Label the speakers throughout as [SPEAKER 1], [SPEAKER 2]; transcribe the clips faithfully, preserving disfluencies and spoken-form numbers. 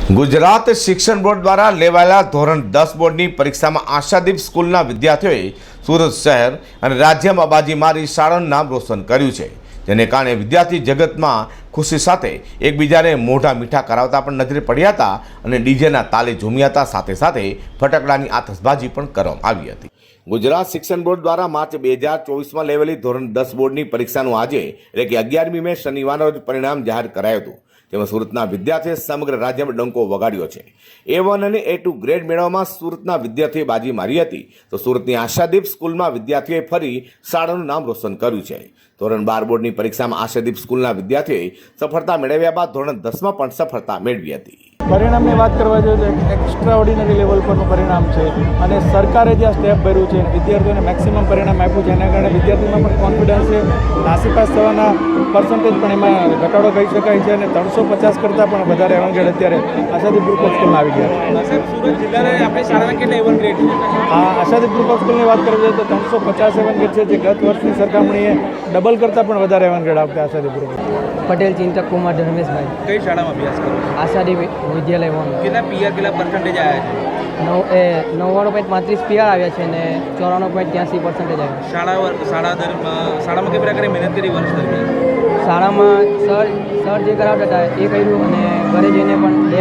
[SPEAKER 1] ગુજરાત શિક્ષણ બોર્ડ દ્વારા લેવાયેલા ધોરણ દસ બોર્ડની પરીક્ષામાં આશાદીપ સ્કૂલના વિદ્યાર્થીઓએ સુરત શહેર અને રાજ્યમાં બાજી મારી શાળાનું નામ રોશન કર્યું છે, જેને કારણે વિદ્યાર્થી જગતમાં ખુશી સાથે એકબીજાને મોઢા મીઠા કરાવતા પણ નજરે પડ્યા હતા અને ડીજેના તાલે ઝૂમ્યા હતા। સાથે સાથે ફટાકડાની આતશબાજી પણ કરવામાં આવી હતી। ગુજરાત શિક્ષણ બોર્ડ દ્વારા માર્ચ બે હજાર ચોવીસમાં લેવાયેલી ધોરણ દસ બોર્ડની પરીક્ષાનું આજે એટલે કે અગિયારમી મે શનિવારના રોજ પરિણામ જાહેર કરાયું હતું, જેમાં સુરતના વિદ્યાર્થીઓએ સમગ્ર રાજ્યમાં ડંકો વગાડ્યો છે। એ વન અને એ ટુ ગ્રેડ મેળવવામાં સુરતના વિદ્યાર્થીઓએ બાજી મારી હતી, તો સુરતની આશાદીપ સ્કૂલમાં વિદ્યાર્થીઓએ ફરી શાળાનું નામ રોશન કર્યું છે। ધોરણ બાર બોર્ડની પરીક્ષામાં આશાદીપ સ્કૂલના વિદ્યાર્થીઓએ સફળતા મેળવ્યા બાદ ધોરણ દસમાં પણ સફળતા મેળવી હતી।
[SPEAKER 2] પરિણામની વાત કરવા જોઈએ તો એક્સ્ટ્રા ઓર્ડિનરી લેવલ પરનું પરિણામ છે અને સરકારે જે આ સ્ટેપ ભર્યું છે વિદ્યાર્થીઓને મેક્સિમમ પરિણામ આપ્યું છે, એના કારણે વિદ્યાર્થીમાં પણ કોન્ફિડન્સ છે। નાસીપાસ થવાના પર્સન્ટેજ પણ એમાં ઘટાડો કહી શકાય છે અને ત્રણસો પચાસ કરતાં પણ વધારે એવંગેડ અત્યારે આશાદીપ ગ્રુપ ઓફ સ્કૂલમાં આવી ગયા છે।
[SPEAKER 3] સુરત જિલ્લાના આપણી શાળાના કેટલા એવન ગ્રેડ છે?
[SPEAKER 2] આ આશાદીપ ગ્રુપ ઓફ સ્કૂલની વાત કરવી જોઈએ તો ત્રણસો પચાસ એવંગેડ છે, જે ગત વર્ષની સરખામણીએ ડબલ કરતાં પણ વધારે એવંગેડ આવતા આશાદીપ ગ્રુપ।
[SPEAKER 4] પટેલ ચિંતક કુમાર ધર્મેશભાઈ।
[SPEAKER 3] કઈ શાળામાં અભ્યાસ કરો છો?
[SPEAKER 4] આશાદીપ વિદ્યાલય વન।
[SPEAKER 3] કેટલા પીઆર કેટલા પર્સન્ટેજ આવ્યા છે?
[SPEAKER 4] નવ એ નવ્વાણું પોઈન્ટ પાંત્રીસ પીઆર આવ્યા છે અને ચોરાણું પોઈન્ટ ત્યાંસી પર્સન્ટેજ આવ્યા।
[SPEAKER 3] શાળા વર- શાળા દરમિયાન શાળામાં કઈ પ્રકારે મહેનત કરી વર્ષ દરમિયાન?
[SPEAKER 4] શાળામાં સર સર જે કરાવતા હતા એ કર્યું અને ઘરે જઈને પણ બે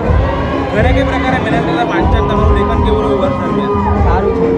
[SPEAKER 4] કરી
[SPEAKER 3] ઘરે કઈ પ્રકારે મહેનત કરતા વાંચન તમારું લેખન કેવું રહ્યું વર્ષ દરમિયાન?
[SPEAKER 4] સારું છે।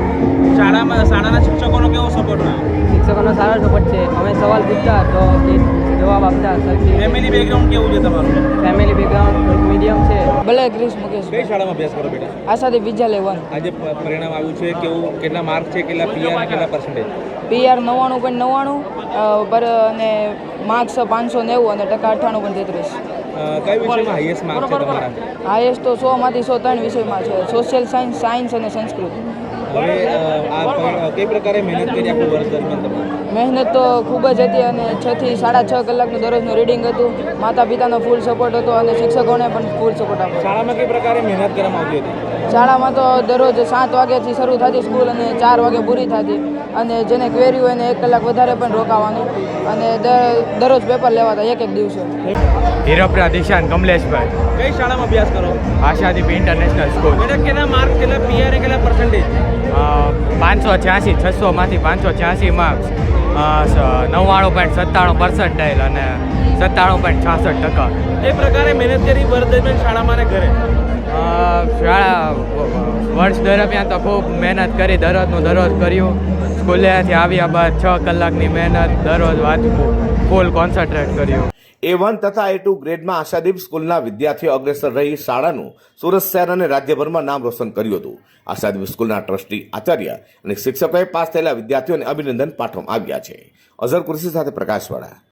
[SPEAKER 3] શાળામાં શાળાના શિક્ષકોનો કેવો સપોર્ટ રહ્યો?
[SPEAKER 4] શિક્ષકોનો સારો સપોર્ટ છે। અમે સવાલ પૂછતા તો એ જવાબ આપતા સરખી।
[SPEAKER 3] ફેમિલી બેકગ્રાઉન્ડ કેવું છે તમારું?
[SPEAKER 4] ફેમિલી બેકગ્રાઉન્ડ મીડિયમ છે।
[SPEAKER 5] ભલે ક્રિશ મુકેશ
[SPEAKER 3] કઈ શાળામાં અભ્યાસ કરો બેટા?
[SPEAKER 5] આશાદીપ વિદ્યાલય વન।
[SPEAKER 3] આજે પ- પરિણામ આવ્યું છે, કેવું કેટલા માર્ક છે, કેટલા પીઆર કેટલા પર્સન્ટેજ?
[SPEAKER 5] પીઆર નવ્વાણું પોઈન્ટ નવ્વાણું પર અને માર્ક્સ પાંચસો નેવું અને ટકા અઠ્ઠાણું પોઈન્ટ તેત્રીસ।
[SPEAKER 3] કઈ વિષયમાં હાઈએસ્ટ માર્ક છે તમારા?
[SPEAKER 5] હાઈએસ્ટ તો સોમાંથી સો ત્રણ વિષયમાં છે, સોશિયલ સાયન્સ, સાયન્સ અને સંસ્કૃત।
[SPEAKER 3] હવે અ, આ પ- કઈ પ્રકારે મહેનત કરી આખું વર્ષ દરમિયાન તમે?
[SPEAKER 5] મહેનત તો ખૂબ જ હતી અને છ થી સાડા છ કલાકનું દરરોજનું રીડિંગ હતું। માતા પિતાનો ફૂલ સપોર્ટ હતો અને શિક્ષકોને પણ ફૂલ સપોર્ટ આપ્યો।
[SPEAKER 3] શાળામાં કઈ પ્રકારે મહેનત કરવામાં આવતી હતી?
[SPEAKER 5] શાળામાં તો દરરોજ સાત વાગ્યાથી શરૂ થતી સ્કૂલ અને ચાર વાગે પૂરી થતી, અને જેને ક્વેરી હોય એને એક કલાક વધારે પણ રોકાવાનું અને દર- દરરોજ પેપર લેવાતા એક એક દિવસે।
[SPEAKER 6] હીરોપરા દિશાન કમલેશભાઈ।
[SPEAKER 3] કઈ શાળામાં અભ્યાસ કરો?
[SPEAKER 6] Ashadeep international school.
[SPEAKER 3] બેટા કેટલા માર્ક કેટલા પીઆર કેટલા પર્સન્ટેજ?
[SPEAKER 6] પાંચસો છ્યાસી છસોમાંથી પાંચસો છ્યાસી માર્ક્સ, નવ્વાણું પોઈન્ટ સત્તાણું પર્સન્ટાઇલ અને સત્તાણું પોઈન્ટ છાસઠ ટકા।
[SPEAKER 3] એ પ્રકારે મહેનત કરી વર્ષ દરમિયાન શાળામાં અને ઘરે?
[SPEAKER 6] અ, શાળા વર્ષ દરમિયાન તો ખૂબ મહેનત કરી, દરરોજનું દરરોજ કર્યું। સ્કૂલેથી આવ્યા બાદ છ કલાકની મહેનત, દરરોજ વાંચવું, ફૂલ કોન્સન્ટ્રેટ કર્યું।
[SPEAKER 1] એ વન તથા એ ટુ ગ્રેડમાં આશાદીપ સ્કૂલના વિદ્યાર્થીઓ અગ્રેસર રહી શાળાનું સુરત શહેર અને રાજ્યભરમાં નામ રોશન કર્યું હતું। આશાદીપ સ્કૂલના ટ્રસ્ટી, આચાર્ય અને શિક્ષકોએ પાસ થયેલા વિદ્યાર્થીઓને અભિનંદન પાઠવવામાં આવ્યા છે। અઝર કુર્સી સાથે પ્રકાશવાળા।